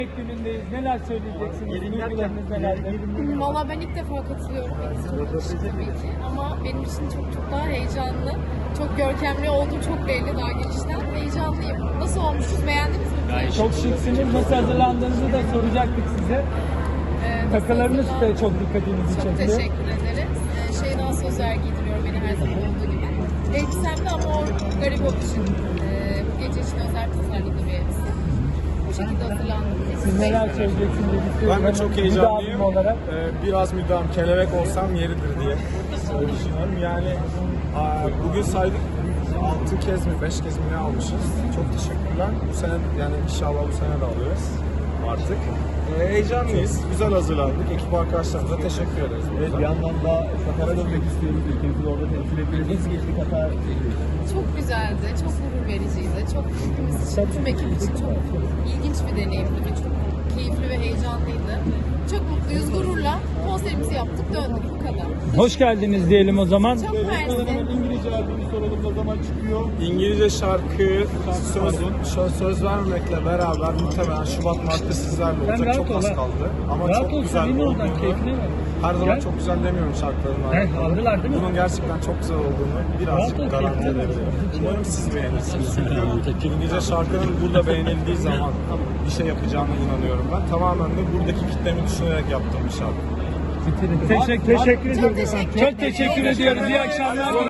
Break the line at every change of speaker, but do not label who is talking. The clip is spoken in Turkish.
Günündeyiz. Neler söyleyeceksiniz? Duygularınız nelerdir?
Valla ben ilk defa katılıyorum. Çok yakışıklı tabii ki. Ama benim için çok daha heyecanlı. Çok görkemli olduğu çok belli daha girişten. Heyecanlıyım. Nasıl olmuşuz? Beğendiniz mi?
Çok şıksınız. Nasıl hazırlandığınızı da soracaktık size. Takılarınız da çok dikkatinizi
Çok
çekti.
teşekkür ederiz. Şeyden sözler giydiriyor beni her zaman olduğu gibi. Elbisemde ama o garibok için bu gece için özel tasarladığı bir elbise. Bu şekilde hazırlandım.
Siz neler söyleyeceksiniz?
Ben de çok heyecanlıyım.
Müdavim olarak.
Biraz müdahım, kelebek olsam yeridir diye düşünüyorum. Yani bugün saydık 6 kez mi 5 kez mi ne almışız. Çok teşekkürler. Bu sene yani inşallah bu sene de alıyoruz artık. Heyecanlıyız. Güzel hazırlandık. Ekip arkadaşlarımıza teşekkür ederiz.
Evet, bir yandan da Katar'a dönmek istiyoruz. Ülkemizi orada temsil ediyoruz. Nasıl geçti Katar?
Çok güzeldi, çok gurur vericiydi. Çok hepimiz için, tüm ekip için çok ilginç bir deneyimdi ve çok keyifli ve heyecanlıydı. Çok mutluyuz, gururla konserimizi yaptık, döndük bu kadar.
Hoş geldiniz diyelim o zaman.
Çok mersi.
İngilizce albümü soralım, ne zaman çıkıyor?
İngilizce şarkı söz vermemekle beraber muhtemelen Şubat Mart'ta sizlerle olacak.
rahat
Çok
ol,
az
ha.
kaldı. Ama
Rahat
çok
ol,
güzel
senin oradan
olduğunu,
keyfine bak.
her zaman
Gel.
çok güzel demiyorum şarkıların
Aldılar değil mi?
Bunun gerçekten çok güzel olduğunu birazcık
Rahat ol,
garanti
keyfine bak.
edebilirim. Umarım siz beğenirsiniz. Çünkü İngilizce şarkının burada beğenildiği zaman bir şey yapacağına inanıyorum ben. Tamamen de buradaki kitlemi düşünerek yaptığım bir şarkı.
Teşekkür ediyoruz.
Çok teşekkür
Çok teşekkür ediyoruz. İyi akşamlar.